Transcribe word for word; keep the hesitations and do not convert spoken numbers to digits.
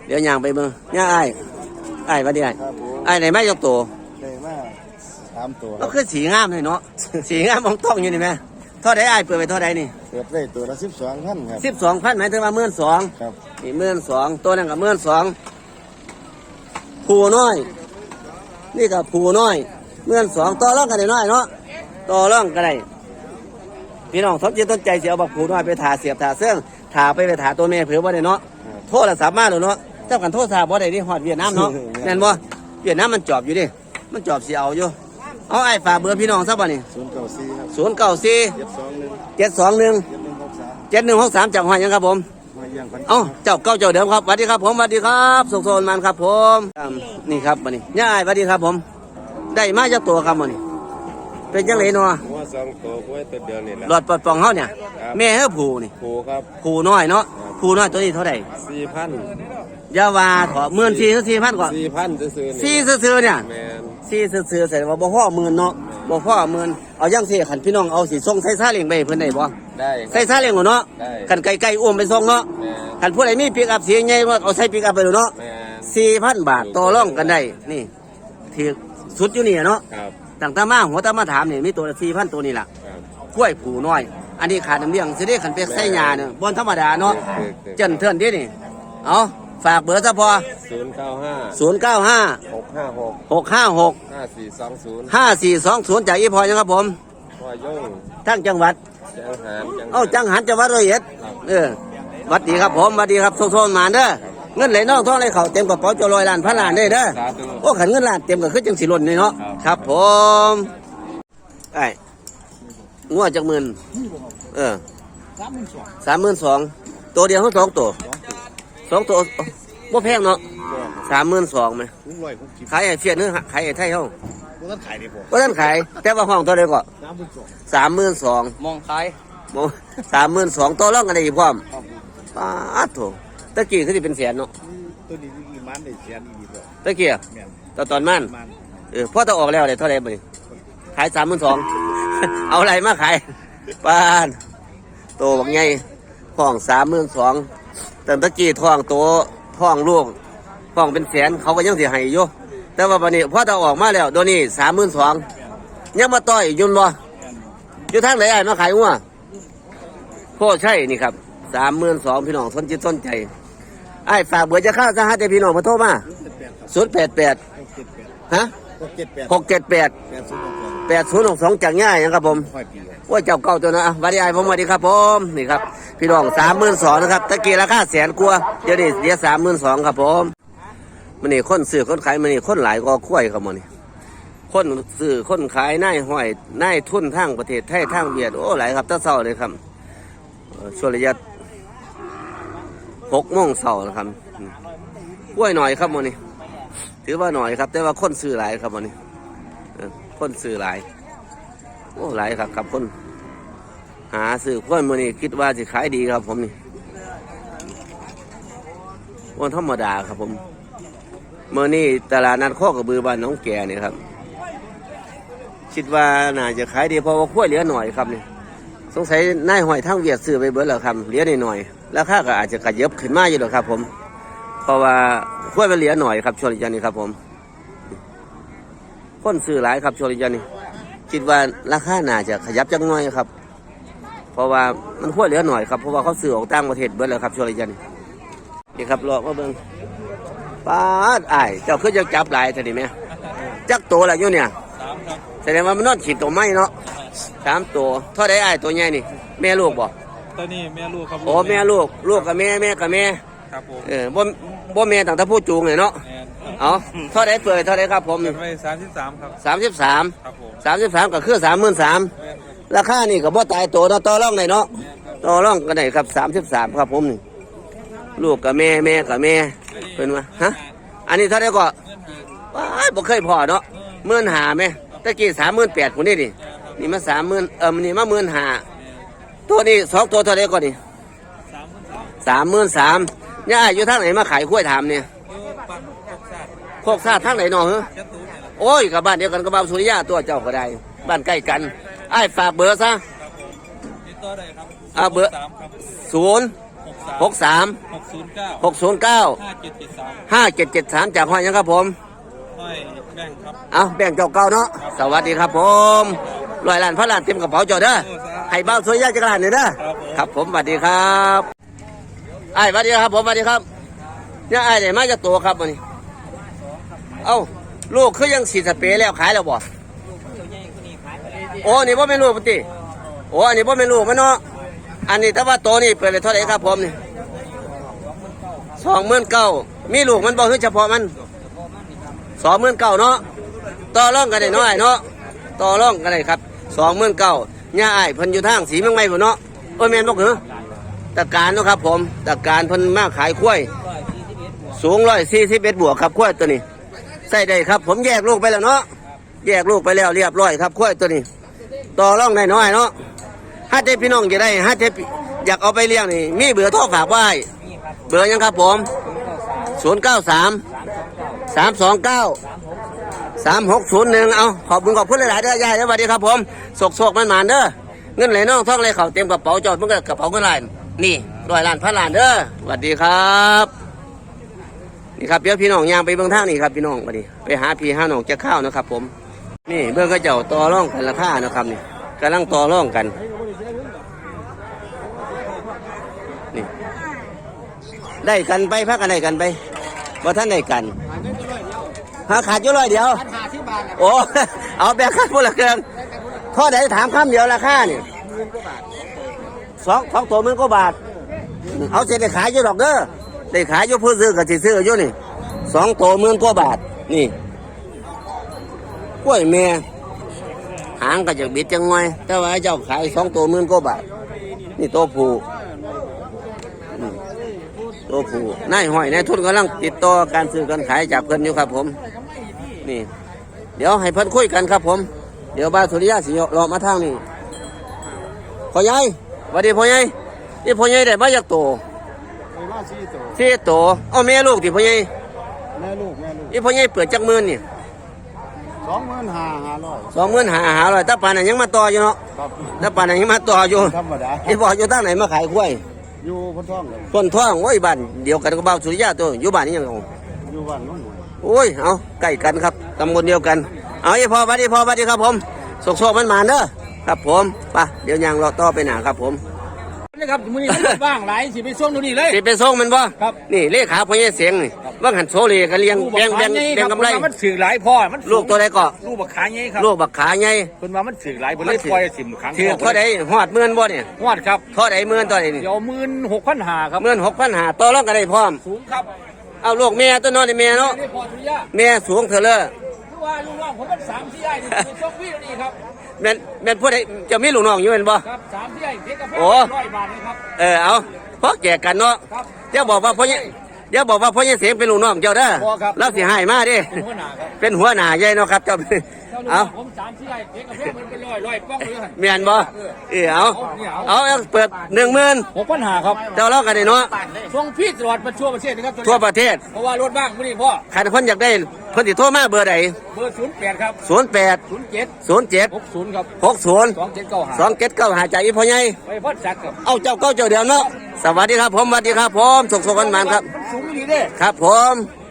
เดี๋ยวยางไปเบิ่งย่าไอ้ไอ้มาดิไอ้ไอ้ไหนไม่ยกตัวได้มากสามตัวก็คือสีงามเลยเนาะสีงามมองต้องอยู่นี่ไหมเท่าใดไอ้เปิดไปเท่าใดนี่เปิดได้ตัวละสิบสองพันครับสิบสองพันหมายถึงว่าหมื่นสองครับนี่หมื่นสองตัวนั้นกับหมื่นสองผูน้อยนี่กับผูน้อยหมื่นสองต่อร่องกันได้น้อยเนาะต่อร่องกันได้พี่น้องสนใจต้นใจเสียบักผูน้อยไปถ่าเสียบถ่าเสื่องถ่าไปไปถ่าตัวเมียเผื่อว่าได้เนาะโทษละสามารถเลยเนาะเจ้ากันโทษสาบ่ได้ที่ฮอดเวียดนามเนาะแน่นบ่เวียดนามมันจอบอยู่ดิมันจอบเสียเอาอยู่เอาไอ้ฝากเบอร์พี่น้องซะบ่นี่ศูนย์เก้าสี่ครับศูนย์เก้าสี่เจ็ดสองหนึ่งเจ็ดสองหนึ่งเจ็ดหนึ่งหกสามเจ็ดหนึ่งหกสามจากหอยยังครับผมมาเยี่ยมกันเอ้าเจ้าเก้าเจ้าเดิมครับสวัสดีครับผมสวัสดีครับสุขโซนมันครับผมนี่ครับวันนี้ย่าไอ้สวัสดีครับผมได้มาจากตัวครับวันนี้เป็นจังไรเนาะหัวสองตัวกล้วยตัวเดียวนี่แหละหลอดปลดปองเขาเนี่ยแม่เฮ้ผูนี่ผูครับผูน้อยเนาะผูน้อยตัวนี้เท่าไหร่สี่พันยาวาถอหมื่นสี่สี่พันก่อนสี่พันซื้อสี่ซื้อเนี่ยสี่ซื้อใส่ว่าบ่พ่อหมื่นเนาะบ่พ่อหมื่นเอาย่างสี่ขันพี่น้องเอาสีส่งใส่ซาเลียงไปเพื่อนได้บ่ได้ใส่ซาเลียงเนาะขันไก่ไก่อ้วมไปส่งเนาะขันผู้ใดมีปิกอัพเสียงใหญ่ว่าเอาใส่ปิกอัพไปเนาะสี่พันบาทต่อรองกันได้นี่ถือสุดอยู่นี่เนาะต่างตามาหัวตามาถามนี่มีตัวสี่พันตัวนี่แหละกล้วยผูน้อยอันนี้ขาดน้ำเลี้ยงสิได้ขันเป็กใส่ยาเนี่ยบนธรรมดาเนาะเจนเทินดินี่เอาฝากเบอร์ซะพอศูนย์เก้าห้าศูนย์เก้าห้าหกห้าหกหกห้าหกห้าสี่สองศูนย์ห้าสี่สองศูนย์จากอีพอยังครับผมพอยงทั้งจังหวัดจังหันเอ้าจังหันจังหวัดร้อยเอ็ดเออวัดดีครับผมวัดดีครับโซโซนมาเด้อเงินไหลน้องท้องไหลเข่าเต็มกระเป๋าจะลอยล้านพันล้านได้เด้อโอ้ขันเงินล้านเต็มก็คือจังสิหล่นนี่เนาะครับผมไอ้งัวจักหมื่นเออสามหมื่นสองตัวเดียวทั้งสองตัวสองตัวบ่แพงเนาะสามหมื่นสองไหมขายไอ้เฟียนเนื้อขายไอ้ไทยเขาบ่ทันขายดิผมบ่ทันขายแต่ว่าห้องเท่าไรก็สามหมื่นสองมองขายมองสามหมื่นสองตัวร่องกันได้อีกพร้อมป้าดโถตะกี้คือที่เป็นแสนเนาะตัวนี้อีมันได้แสนอีกแล้วตะกี้ตอนตอนมันเออพ่อต้องออกแล้วเลยเท่าไรบ่นี่ขายสามหมื่นสองเอาอะไรมาขายป้านโตบักใหญ่ห้องสามหมื่นสองแต่ตะกี้ท้องโตท้องลูกท้องเป็นแสนเขาก็ยังเสียหายอยู่แต่ว่าวันนี้พ่อต้องออกมาแล้วโดนนี่สามหมื่นสองยังมาต่อยยุ่นบ่อยู่ทางไหนไอ้มาขายงัวพ่อใช่นี่ครับสามหมื่นสองพี่น้องสนจิตสนใจไอ้ฝากเบอร์จะเข้าสหัสใจพี่น้องมาโทรมาศูนย์แปดแปดฮะหกเจ็ดแปดแปดศูนย์หกสองจากง่ายนะครับผมว่าเจ้าเก่าตัวนะวันนี้ไอ้ผมสวัสดีครับผมนี่ครับพี่น้องสามหมื่นสองนะครับตะกี้ราคาแสนกว่าเดี๋ยวนี้เดี๋ยวสามหมื่นสองครับผมมันนี่คนซื้อคนขายมันนี่คนหลายก็คุ้ยครับมันนี่คนซื้อคนขายนายห้อยนายทุนทางประเทศไทยทางเวียดโอ้หลายครับตั้งเศร้าเลยครับช่วงระยะหกโมงเศร้านะครับกล้วยหน่อยครับมันนี่ถือว่าหน่อยครับแต่ว่าคนซื้อหลายครับมันนี่คนซื้อหลายโอ้หลายครับครับคนหาซื้อคนมันนี่คิดว่าจะขายดีครับผมนี่วันธรรมดาครับผมเมื่อนี้ตลาดนัดข้อกระบือบ้านน้องแก่เนี่ยครับคิดว่าน่าจะขายดีเพราะว่าขั้วเหลือหน่อยครับนี่สงสัยนายหอยทั้งเวียดซื้อไปเบิดแล้วครับเหลือหน่อยราคาก็อาจจะกระเยิบขึ้นมาอยู่หรอกครับผมเพราะว่าขั้วมันเหลือหน่อยครับช่วงนี้ครับผมคนซื้อหลายครับช่วงนี้คิดว่าราคาน่าจะขยับจังหน่อยครับเพราะว่ามันขั้วเหลือหน่อยครับเพราะว่าเขาซื้อออกต่างประเทศเบิดแล้วครับช่วงนี้นี่ครับรอมาเบิ่งป้าไอ้เจ้าคือจะจับหลายท่านี้ไหมจักตัวอะไรอยู่เนี่ยแสดงว่ามันนอนขีดตัวไม้เนาะสามตัวเท่าไดไอ้ตัวใหญ่นี่แม่ลูกบ่ตัวนี้แม่ลูกครับโอ้แม่ลูกลูกกับแม่แม่กับแม่ครับผมเออบ่บ่แม่ต่างตะผู้จูงเลยเนาะเอาเท่าไดเปิดเท่าไดครับผมไปสามสิบสามครับสามสิบสามครับผมสามสิบสามก็คือสามหมื่นสามราคานี่ก็บ่ตายตัวเนาะต่อรองได้เนาะต่อรองกันได้ครับสามสิบสามครับผมนี่ลูกกับแม่แม่กับแม่เป็นว่าฮะอันนี้เท่าไดก็ว้ายบ่เคยพอเนาะหมื่นหาไหมตะกี้สามหมื่นแปดคนนี้ดินี่มาสามหมื่นเออนี่มาหมื่นหาตัวนี้สองตัวเท่าไรก่อนนี่สามหมื่นสามย่าอยู่ทางไหนมาขายกล้วยถามเนี่ยโคกซาทางไหนหนอเหรอโอ้ยกับบ้านเดียวกันกับบ้านสุริยะตัวเจ้าก็ได้บ้านใกล้กันไอ้ฝากเบอร์ซะอ่าเบอร์ศูนย์หกสามหกสามหกศูนย์เก้าหกศูนย์เก้าห้าเจ็ดเจ็ดสามห้าเจ็ดเจ็ดสามจากห้อยยังครับผมห้อยแบ่งครับเอาแบ่งเจ้าเก่าเนาะสวัสดีครับผมร้อยล้านพันล้านเต็มกระเป๋าเจ้าเด้อให้เบ้าสวยยากจักรล้านเนี่ยเด้อครับผมสวัสดีครับไอ้ายสวัสดีครับผมสวัสดีครับเนี่ยไอ้ายได้มาจากตัวครับวันนี้เอ้าลูกคือยังสีสเปรย์แล้วขายแล้วบ่โอ้นี่บ่เป็นลูกปกติโอ้อันนี้บ่เป็นลูกมันเนาะอันนี้แต่ว่าโตนี่เปิดเลยเท่าไหร่ครับผมนี่สองหมื่นเก้ามีลูกมันบ่คือเฉพาะมันสองหมื่นเก้าเนาะต่อรองกันได้น้อยเนาะต่อรองกันได้ครับสองหมื่นเก้าย่าอ้ายเพิ่นอยู่ทางสีเมืองใหม่พุ่นเนาะโอ้ยแม่นบ่คือตะการเนาะครับผมตะการเพิ่นมาขายข้วยสูงร้อยสี่สิบเอ็ดบวกครับข้วยตัวนี้ใส่ได้ครับผมแยกลูกไปแล้วเนาะแยกลูกไปแล้วเรียบร้อยครับข้วยตัวนี้ต่อรองได้น้อยเนาะถ้าเจ้พี่น้องจะได้ถ้าเจ้อยากเอาไปเลี้ยงนี่มีเบอร์โทรฝากไว้เบอร์ยังครับผมศูนย์เก้าสามสามสองเก้าสามหกศูนย์หนึ่งเอาขอบคุณขอบคุณหลายๆเด้อยายสวัสดีครับผมโศกโศกมันหมานเด้อเงินไหลน้องท่องไหลเข่าเต็มกระเป๋าจอดมันก็กระเป๋าเงินไหลนี่ร้อยล้านพันล้านเด้อสวัสดีครับนี่ครับเดี๋ยวพี่น้องย่างไปเบื้องทางนี่ครับพี่น้องมาดิไปหาพี่หาน้องจะข้าวนะครับผมนี่เบื้องก็เจ้าต่อร่องกันราคานะครับนี่กำลังต่อร่องกันนี่ได้กันไปพักกันได้กันไปว่าท่านได้กันหาขาดอยู่ร้อยเดียวโอ้ เอาแบบค่าพูดละเกินข้อใดถามคำเดียวราคานี่สองสองตัวหมื่นกว่าบาทเอาเสร็จได้ขายอยู่ดอกเด้อได้ขายอยู่ผู้ซื้อกับที่ซื้ออยู่นี่สองตัวหมื่นกว่าบาทนี่กล้วยเมียหางก็จะบิดจังไงแต่ว่าเจ้าขายสองตัวหมื่นกว่าบาทนี่ตัวผู้ตัวผู้นายห้อยนายทุนกำลังติดต่อการซื้อการขายจากเพิ่นอยู่ครับผมนี่เดี๋ยวให้เพิ่นคุยกันครับผมเดี๋ยวบาสุริยะสิรอมาทางนี้พ่อใหญ่สวัสดีพ่อใหญ่นี่พ่อใหญ่ได้มาจากโตไอ้มาสี่ตัวสี่โตเอาแม่ลูกที่พ่อใหญ่แม่ลูกแม่ลูกนี่พ่อใหญ่เปิดจักหมื่นนี่สองหมื่นห้าห้าร้อยสองหมื่นหาหาร้อยตาปานนั้นยังมาต่ออยู่เนาะครับตาปานนั้นยังมาต่ออยู่ธรรมดาไอ้บอกอยู่ตั้งไหนมาขายกล้วยอยู่พ้นท้องเลยต้นท่องโอ้ยบ้านเดียวกันกับบ่าวสุริยะตัวอยู่บ้านนี้ยังเอาอยู่บ้านโน้นโอ้ยเอาใกล้กันครับตำบลเดียวกันเอาไอ้พ่อสวัสดีพ่อสวัสดีครับผมโศกโศกมันมาเด้อครับผมไปเดี๋ยวยางเราต่อไปหนาครับผมนี่ครับมือนี้มันบ้างหลายสิไปส่งตรงนี้เลยสิไปส่งมันบ่ครับนี่เลขาพ่อใหญ่เสียงนี่ว่าหันโซเลกันเลี้ยงแบงแบงแบงกำไรมันสื่อหลายพ่อมันลูกตัวใดก็ลูกบักขาใหญ่ครับลูกบักขาใหญ่คนว่ามันสื่อหลายผมเลยปล่อยสิมครั้งถือเท่าใดหอดหมื่นบ่เนี่ยวดครับเท่าใดหมื่นตัวใดนี่เดี๋ยวหมื่นหกพันหาครับหมื่นหกพันหาต่อรองกันได้พร้อมสูงครับเอาลูกแม่ตัวน้อยนี่แม่เนาะนี่พอทุยะแม่สูงเถอะเลยคือว่าลูกน้องผมมันสามที่ใหญ่นี่ไปส่งพี่นี่ครับแม่นแม่นผู้ใดจะมีลูกน้องอยู่แม่นบ่ครับสามที่ใหญ่เพียงกับโอ้ร้อยบาทนะครับเออเอาเพราะแก่กันเนาะครับเดี๋ยวบอกว่าพ่อเนี่ยเดี๋ยวบอกว่าพ่อเนี่ยเสียงเป็นลูกน้องเจ้าเด้อบ่ครับแล้วสิให้มาเดิเป็นหัวหน้าครับเป็นหัวหน้าใหญ่เนาะครับเจ้าเจ้าลูกน้เอาองผมสามที่ใหญ่เพียงกับเพียงมันเป็นร้อยร้อยป้องเลยแม่นบ่เออเอาเอาเอาเปิดหนึ่งหมื่นหกพันหาครับเจ้าเล่ากันได้เนาะส่งพี่ตลอดมาทั่วประเทศนะครับทั่วประเทศเพราะว่ารถบ้างไม่ได้พ่อใครคนอยากได้เพิ่นสิโทรมาเบอร์ใดเบอร์ศูนย์แปดครับศูนย์แปดศูนย์เจ็ดศูนย์เจ็ดหกศูนย์ครับหกศูนย์สองเจ็ดเก้าหาสองเจ็ดเก้าหาใจอีพ่อใหญ่ไปพ่อจักรครับเอาเจ้าเก้าเจ้าเดียวเนาะสวัสดีครับผมสวัสดีครับผมสุขสุขกันมานครับมันสูงดีเด้ครับผม